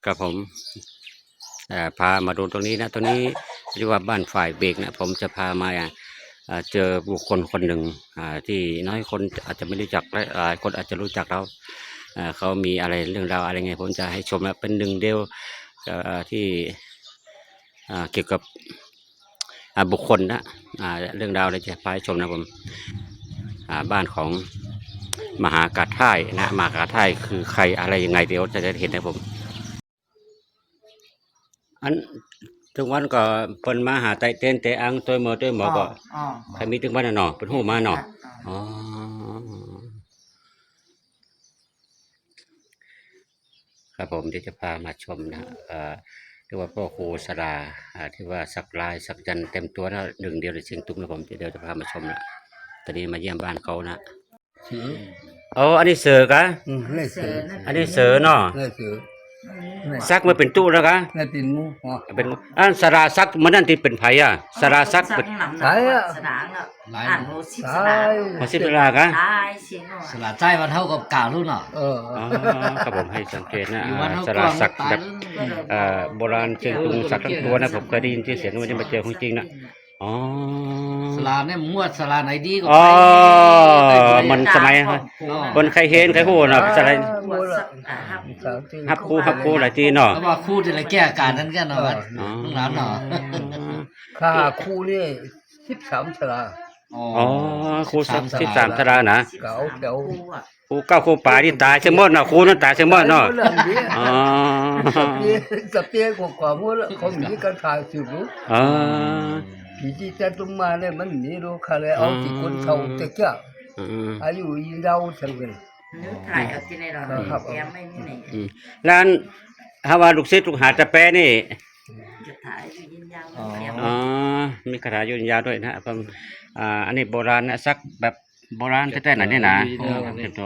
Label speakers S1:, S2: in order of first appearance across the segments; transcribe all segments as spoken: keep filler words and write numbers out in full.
S1: กับผมพามาดูตรงนี้นะตรงนี้เรียกว่าบ้านฝ่ายเบรกนะผมจะพามาเจอบุคคลคนหนึ่งที่น้อยคนอาจจะไม่รู้จักและหลายคนอาจจะรู้จักเราเขามีอะไรเรื่องราวอะไรไงผมจะให้ชมนะเป็นหนึ่งเดียวที่เกี่ยวกับบุคคลนะเรื่องราวอะไรจะพาให้ชมนะผมบ้านของมหากาท่ายนะมหากาท่ายคือใครอะไรยังไงเดี๋ยวจะได้เห็นนะผมอันถึงวันก็เพิ่นมาหาไตเต้นเตอังตัวหมอตัวหมอก็ใครมีถึงวันน่ะเนาะเพิ่นฮู้มาเนาะอ๋อครับผมเดี๋ยวจะพามาชมนะเอ่อเรียกว่าพ่อครูสราที่ว่าสักลายสักยันเต็มตัวแล้วหนึ่งเดียวในเชียงตุ้มนะผมเดี๋ยวจะพามาชมนะตอนนี้มาเยี่ยมบ้านเขานะอ๋ออันนี้เสือกะอันนี้เสือเนาะซักมาเป็นตู้แล้วกะเป็นเป็นอันสราซักมันนั่นที่เป็นไผ่อะสราซักเป็น
S2: ไผ่อะสราเนาะอ่านโหสิบสรา
S1: โหสิบสรากะ
S3: สราใจมันเท่ากับกาลุ่นอ่ะ
S1: เออครับผมให้สังเกตนะสราซักแบบโบราณเชียงตุงซักทั้งตัวนะผมเคยได้ยินที่เสียงวันนี้มาเจอของจริงนะอ๋อ
S3: สลาเนี่ยมวดสลาไหนดีก็
S1: อ๋อมันสมัยบนใครเห็นใครหูเนาะสลายฮับคู่ฮับคู่หลายทีเนาะ
S3: ว่าคู่จะอะไรแก้อาการนั้นกันเนาะน้องหลานเนาะ
S2: ค่าคู่นี่สิบสามสลา
S1: อ๋อคู่สิบสามสลานะ
S2: เก่าเก่า
S1: คู่เก้าคู่ป่าที่ตายเชื่อมดเนาะคู่นั้นตายเชื่อมดเนาะอ๋อ
S2: สเปียกว่าพวกเขามีการถ่ายสืบรู้
S1: อ๋อ
S2: ผีที่จะตุ้มมาเนี่ยมันมีรู้ค่ะเลยเอาที่คนเขาจะเจ้าอายุยืนยาวทั้งนั้น
S4: ถ่ายเอาที่ในเราครับแกไม่มีไหน
S1: ร้านฮาวาลูกศิษย์ลูกหาจะแปรนี่
S4: จะถ่ายยืนยาว
S1: อ๋อมีคาถายืนยาวด้วยนะผมอ่าอันนี้โบราณนะซักแบบโบราณแท้ๆหน่อยนี่นะอ๋อ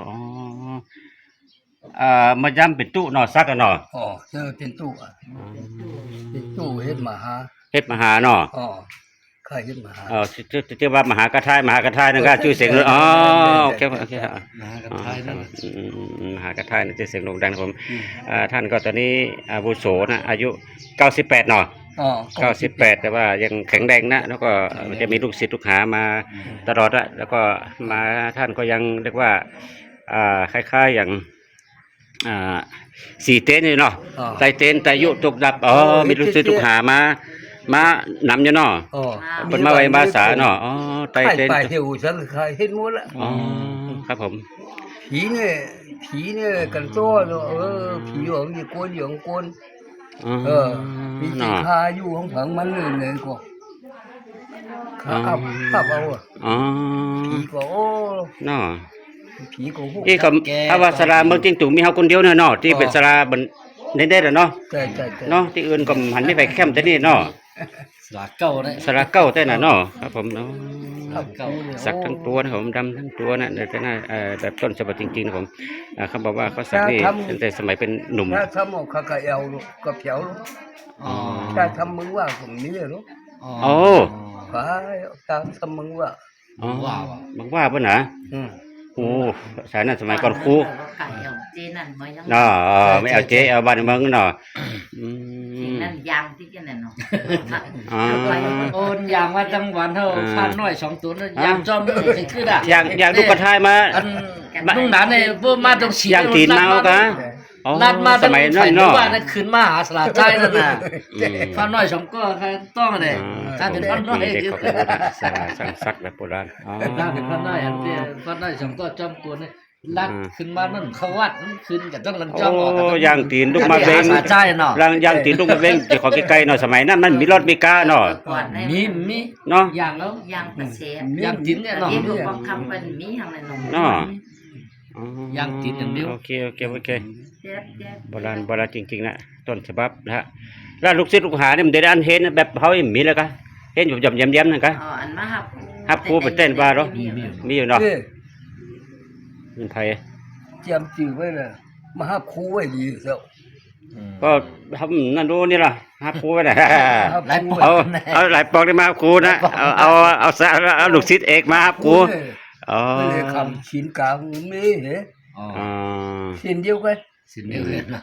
S1: อ่ามาย้ำเป็นตู้เนาะซักกันเนาะ
S2: อ๋อเจอเป็นตู้อ่ะเป็นตู้เฮ็ดมหา
S1: เฮ็ดมหาเนาะ
S2: อ๋อใครเฮ็ดมหา
S1: อ๋อชื่อชื่อว่ามหากระทายมหากระทายนั่นก็ชื่อเสียงเลยอ๋อโอเคโอเค
S3: มหากระทายนั่น
S1: มหากระทายนั่นชื่อเสียงโด่งดังผมอ่าท่านก็ตอนนี้อาวุโสนะอายุเก้าสิบแปดเนาะ
S2: อ๋อ
S1: เก้าสิบแปดแต่ว่ายังแข็งแรงนะแล้วก็จะมีลูกศิษย์ลูกหามาตลอดอะแล้วก็มาท่านก็ยังเรียกว่าอ่าคล้ายๆอย่างอ่าสี่เต็นนี่เนาะไตเต็นไตยุตกดับอ๋อมีลูกศิษย์ลูกหามามานำอยู่เนาะเป็นมาไว้ภาษาเนาะอ๋อไตเต็น
S2: ไปเที่ยวฉันเคยเห็นหมดละ
S1: อ๋อครับผม
S2: ผีเนี่ยผีเนี่ยกันโต้เออผีหยองอยู่กวนหยองกวนเออมีจิคาอยู่ของผังมันเลยเลยก็ข้าข้าเอาอ่ะ
S1: อ๋อ
S2: ผีก็โอ้
S1: เนาะ
S2: ผีก็โห
S1: อีกับอาว่าสลาเมืองจิงตุงมีเฮาคนเดียวเนาะที่เป็นสลาบนเน้นได้เนาะเนาะที่อื่นก็หันไม่ไปแคมแต่นี่เนาะ
S3: สลาเก้าได้
S1: สลาเก้าแต่น่ะเนาะครับผมเนาะสักทั้งตัวนะผมดำทั้งตัวนะแต่น่าแบบต้นฉบับจริงๆนะผมเขาบอกว่าเขาสักนี่ตั้งแต่สมัยเป็นหนุ่ม
S2: ถ้าทำออกข้าก็เอวลูกก็เผียวลูกถ้าทำมึงว่าผมนี้ลูก
S1: โอ้
S2: ฟ้าตามทำมึงว่า
S1: อ๋อมึงว่าป่ะนะโอ้สายนั้นสมัยก่อนครูเนาะไม่เอาเจ๊เอาบ้านเมืองเนาะ
S4: นั่นยางที่กันเนาะ
S3: โอนยางว่าจังหวัดเท่าพันน้อยสองตัวนั่นยางจอมไม่เคยขึ้นอ่ะ
S1: ยางยางลูกกระทายมา
S3: ลุงหนานเนี่ยเพิ่มมาตรงสี
S1: ยางตีนเมากัน
S3: นัดมาสมัยนั้นเนาะว่านั่นขึ้นมาหาสลาใจนั่นน่ะพันน้อยสองก็ต้องเลยถ้าเป็นพันน้อย
S1: สลาสังซักแบบโบราณ
S3: ถ้าเป็นพันน้อยอันที่พันน้อยสองก็จอมกวนเนี่ยลัดขึ้นมานั่นเขาวัดขึ้นกับต้องลันจ้อง
S1: โอ้ยางตีนลูกมาเบงรังยางตีนลูกมาเบงจะขอใกล้ๆหน่อยสมัยนั้นมันมีรถมีก้าเนาะ
S3: มีมี
S1: เนาะ
S3: ยางแล้ว
S4: ยางกระเสีย
S3: ยางตีนเนี่ยเนาะ
S4: ที่ดูบางคำเป็นมีทางในนม
S1: เนาะ
S3: ยางตีนอย่างเดียว
S1: โอเคโอเคโอเคโบราณโบราณจริงๆนะต้นฉบับนะฮะแล้วลูกศิษย์ลูกหาเนี่ยมันได้อันเห็นแบบเขาเห็นมีแล้วกันเห็นอยู่ยำยำยำนั่นกัน
S4: อ๋ออันมาฮับ
S1: ฮับครูเป็นเต้นบ้าหรอมีอยู่เนาะเป็นไทย
S2: เตรียมจืดไว้เลยมาฮับครูไว้ดีเสียว
S1: ก็ทำนั่นดูนี่ล่ะฮับครูไว้เลยเอาเอาหลายปอกได้มาฮับครูนะเอาเอาเอาเอาลูกศิษย์เอกมาฮับครูอ๋อ
S2: เลยคำชิ้นกลางไม่เห็นอ๋อชิ้นเดียวกัน
S3: ชิ้นเดียวกัน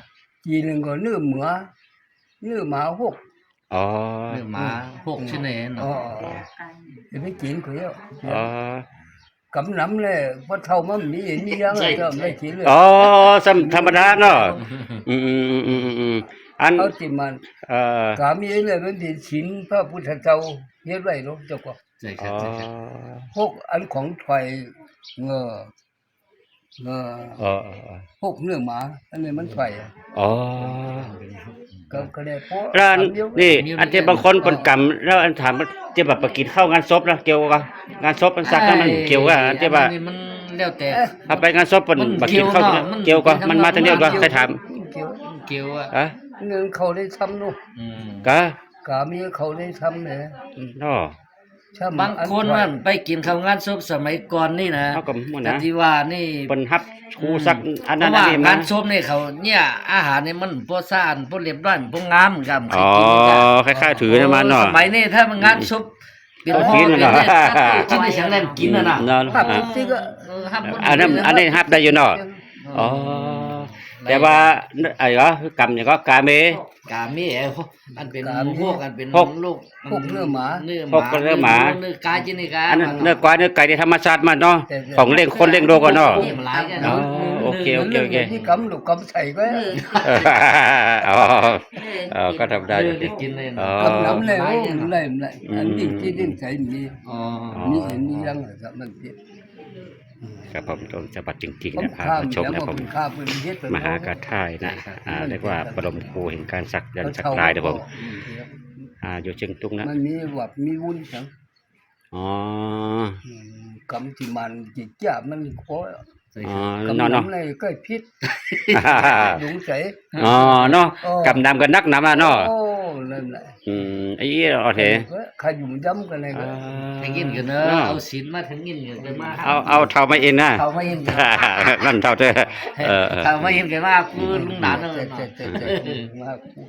S2: จีนก็เนื้อหมาเนื้อหมาหก
S1: อ๋อ
S3: เนื้อหมาหกชิ้นเอง
S2: อ๋อ
S3: เนาะ
S2: จะไปกินก็เยอะ
S1: อ๋อ
S2: กำน้ำเลยพอเท่ามันมีมียังไงก็ไม่กินเลย
S1: อ๋อสำธรรมดาเนาะอืมอืมอืมอืมอืมอัน
S2: เอาที่มัน
S1: เอ่อก
S2: ามีเลยมันเป็นศีลพระพุทธเจ้าเฮ็ดไว้เนาะเจ้าก็
S3: ใช่ค
S1: อ๋
S3: รับ
S1: อ
S3: ใช่ครับ
S2: พวกอันของถอยเงอเงอ
S1: อ๋อ
S2: พวกเนื้อหมาอันนี้มันถอย
S1: อ๋อ
S2: ก็ก็ได้เพราะ
S1: แล้วอัน
S2: ทำอยู่
S1: นี่อันที่บางคนเป็นกรรมแล้วอันถามว่าที่แบบไปกินข้าวงานศพนะเกี่ยวกับงานศพมันสักนั้นมันเกี่ยวกับอันที่ว่า
S3: อันนี้มันแล้วแต่
S1: ถ้าไปงานศพเป็น
S3: มัน
S1: ไปกินข้าว
S3: เกี่ยวเนอะมัน
S1: เกี่ยวกับมันมาทางเดียวกัน
S3: เกี่ยว
S1: ใครถาม
S2: เกี่ยว
S3: เกี่ยวอ่ะ
S1: อะ
S2: เงินเขาได้ทำเนาะ
S3: อืม
S1: กะ
S2: กามีเขาได้ทำเนี่ย
S1: เนาะ
S2: ช่ำ
S3: บางคนมันไปกินข้าวงานศพสมัยก่อนนี่นะ
S1: เอากับหมัน
S3: แต่
S1: นะ
S3: ที่ว่านี่
S1: เป็นฮับชูสักอัน
S3: เพ
S1: นั้น
S3: ราะ
S1: อัน
S3: ว่า
S1: นี้มาง
S3: านศพนี่เขาเนี่ยอาหารนี่มันพวกซ่านพวกเรียบร้อยพวกงามกับใคร
S1: อ๋อ
S3: กินกัน
S1: คล้ายๆถือนะมันเนาะ
S3: สมัยนี้ถ้ามันงานศพเป็น
S1: เอา
S3: ห่อ
S1: กิน
S3: เป็น
S1: เนอะ
S3: เนี่ยกินในฉันเล่นกินน่ะนะ
S1: เนาะ
S2: ภาพที่ก็
S3: เออครับ
S1: อันนั้นอันนี้ฮับได้อยู่เนาะอ๋อแต่ว่าไอ้ก็กรรมอย่างก็กาเม
S3: กาเมีเออันเป็นพวกอันเป็น
S1: พวก
S3: ลูก
S2: พวกเนื้อหมา
S3: เนื้อห
S1: พวกเนื้อหมา
S3: เนื้อกาจินี่กา
S1: อันนั้นเนื้อกวายเนื้อไก่ที่ธรรมชาติมันเนาะของเลี้ยงคนเลี้ยงโลกกันเนาะ
S3: นี่มันหลายกัน
S1: อ๋อ
S3: เนาะ
S1: โอเคโอเคโอเค
S2: ที่กำลูกกำใส่ก็
S4: เออ
S1: เอออ๋อเออก็ทำได้อยู่
S3: ได้กินเลย
S1: อ๋อ
S3: เนาะ
S2: กำน้ำเลยโอ้มันเลยมันเลยอันนี้ที่ดิ้นใส่มี
S3: อ๋อ
S2: มีเห็นมียังไงครับมันเจ็บ
S1: ครับผมต้นฉบับจริง
S2: ผ
S1: ๆ
S2: ม
S1: นะพา
S2: ข้าม
S1: มาชม
S2: แล้ว
S1: นะ
S2: ผ
S1: ผม
S2: มข้ามเป็นเฮ็ดเป็น
S1: มหากาท่ายนะอ่าเรียกว่าบรมครูแห่งการสักยันต์สักลายนะผมอ่าอยู่เชียงตุงนะ
S2: มันมีแบบมีวุ้นสัง
S1: อ๋อ
S2: กำที่มันจิจ่ามันโอ้ย
S1: อ๋อก
S2: ำ
S1: เนาะเนาะ
S2: น้ำเลยก็พิษหลงใส
S1: อ๋อเนาะ
S2: โอ้
S1: กำนำกันนักนำอ่ะเนาะ
S2: โอ้นั่นแหละ
S1: อืมไอ้เหี้ยโอเค
S2: ใครอยู่ย้ำกันเลยก็
S3: ถึงกินกันเนอะเอาศีลมาถึงกินกันเลยมา
S1: เอาเอาเท่ามาเองนะ
S3: เขาไม่เห็นกัน
S1: นั่นเท่าเธอเออเออ
S3: เขาไม่เห็นกันว่าคือลุงหลานเนอะ
S2: เจ็ดเจ็ดเจ็ดเจ็ดมาก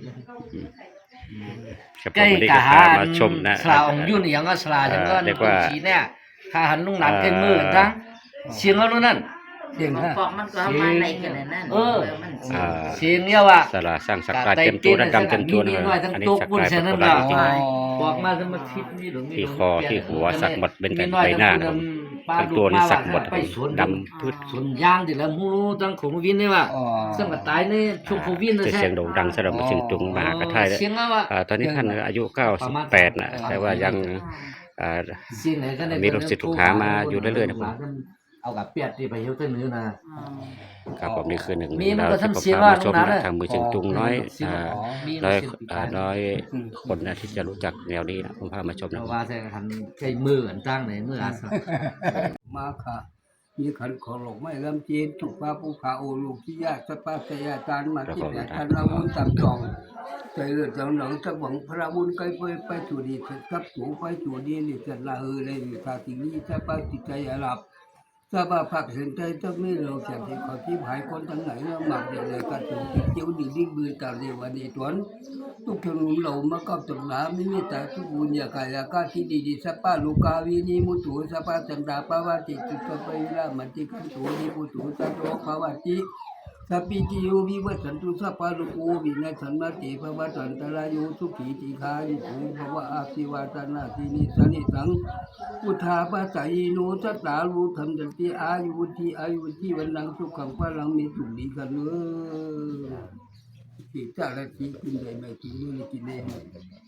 S1: ครับผ
S3: ใกล้
S1: มวันนี้
S3: กะ
S1: ก็
S3: หา
S1: พามาชมนะ
S3: สลาองยุ่นอย่างก็สลาจังก็
S1: เรียกว่า
S3: สีเนี่ยถ้าหันลุงหลานใกล้มือกันทั้งเสียงเอาลูกนั่น
S2: เสียง
S4: ของ
S2: ฮะ
S4: ปอกมันก็เอามาในกันนั่น
S3: เออ
S4: มัน
S1: อ่า
S3: เสียงเนี่ยว่า
S1: สลาสร้างสักลายเต็มตัวนะดำเต็มตัวนะ
S3: มีน้อยทั้ง
S1: อันนี้
S3: ตุ๊ก
S1: สัก
S3: บุญ
S1: ลาย
S3: เสีย
S1: เป็น
S3: นั่น
S1: โบราณ
S3: น่ะ
S1: จริง
S3: บอกมาจะมาทิศนี่หรือมี
S1: ที่คอที่หัวสักหมดเป็น
S3: มี
S1: แบบ
S3: น้อย
S1: ใบหน้า
S3: ทั้ง
S1: นะผมทั้งตัวนี่สักหมด
S3: ไปสวน
S1: ดำพืช
S3: สวนยางที่แล้วมูรู้ตั้งของวินนี่ว่า
S2: อ๋อ
S3: ซึ่งก็ตายในช่วงโควิดนะ
S1: จะ
S3: ใช่
S1: เสียงโด่งดังสำหรับเชียงตุงมหากระทายเลย
S3: เสียงว่า
S1: อ่าตอนนี้ท่านอายุเก้าสิบแปดนะแต่ว่ายังอ่า
S3: เสียงไหนก็ได้
S1: มีลูกศิษย์ลูกหามาอยู่เรื่อยๆนะผม
S3: เอากับเปียดที่ไปเฮลเทอร์นื้อนะ
S1: ครับผมนี่คือหนึ่ง
S3: มีมัน
S1: เรา
S3: ก็
S1: ที่
S3: ทำ
S1: ผม
S3: เสียง
S1: พา
S3: ว่า
S1: มาชม
S3: ตรงนั้
S1: นะ
S3: น
S1: ทางมือเชียงตุงน้อยอ่า
S3: มี
S1: ร้อย
S3: ลูกศิษย์
S1: อ่าร้อยคนนะที่จะรู้จักแนวนี้นะผมพามาชม
S3: เพ
S1: นะ
S3: ราะว่าใช้หันใช้มืออันตั้งในมืออาสา
S2: มาค่ะมีขันขอหลงไม่ลำจีนถูกพระผู้ขาโอลูกที่ยากสปาสยาจารย์มาที่แปดทันละมุนตามจองใจเลือดจังหนังสักหวังพระบุญไกลไปไปสู่ดีสักสูไปสู่ดีนี่จะละเออเลยทาตินี้สปาจิตใจหลับสบาผักเห็นใจต้องไม่เราแสบที่ขอที่หายคนทั้งไหนแล้วหมักเดียวเลยกันถึงเจียวดีดิ้งบืนตาเรวันดีตวนทุกคนเหล่ามากับตุลาไม่มีแต่ทุกบุญยากายากาที่ดีดีสปาลูกาวินีมุตุสปาจันดาปาวาติจุตไปละมันติกันตุนิปุตุสัตโตภาวาติสัพพิติโยวิวัชชันตุสัพพะโลกโวินัสสันมาติภวะตันตรายโยสุขีติคายุโภภวะอาภิวาตนาสินิสนิสังพุทธาปัสสยโนสัตตารูธรรมจันติอายุวุธิอายุวุธิวันนังสุขังพลังมีสุขดีกันเนอที่จ้าละที่กินได้ไม่กินนี่กินได้